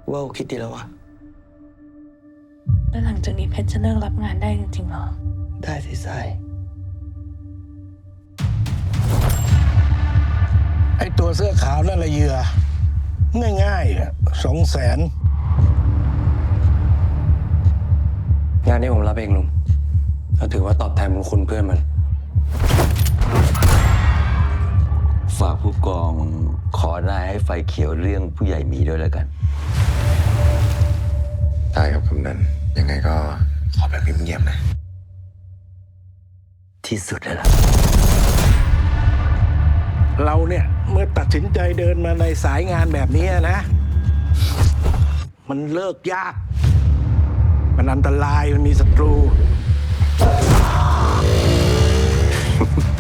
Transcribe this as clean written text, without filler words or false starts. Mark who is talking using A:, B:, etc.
A: ว่าคิดดีแล้ววะ
B: แล้วหลังจากนี้เพชรจะเลิกรับงานได้จริงๆเหรอ
A: ได้สิทราย
C: ไอ้ตัวเสื้อขาวนั่นละเหยื่อง่ายๆ200,000
A: งานนี้ผมรับเองลุงก็ถือว่าตอบแทนบุญคุณเพื่อนมัน
D: ฝากผู้กองขอนายให้ไฟเขียวเรื่องผู้ใหญ่หมีด้วยแล้วกัน
E: ได้ครับกำนันยังไงก็ขอแบบเงียบๆนะ
D: ที่สุดแล้วล่ะ
C: เราเนี่ยเมื่อตัดสินใจเดินมาในสายงานแบบนี้นะ มันเลิกยาก มันอันตรายมันมีศัตรู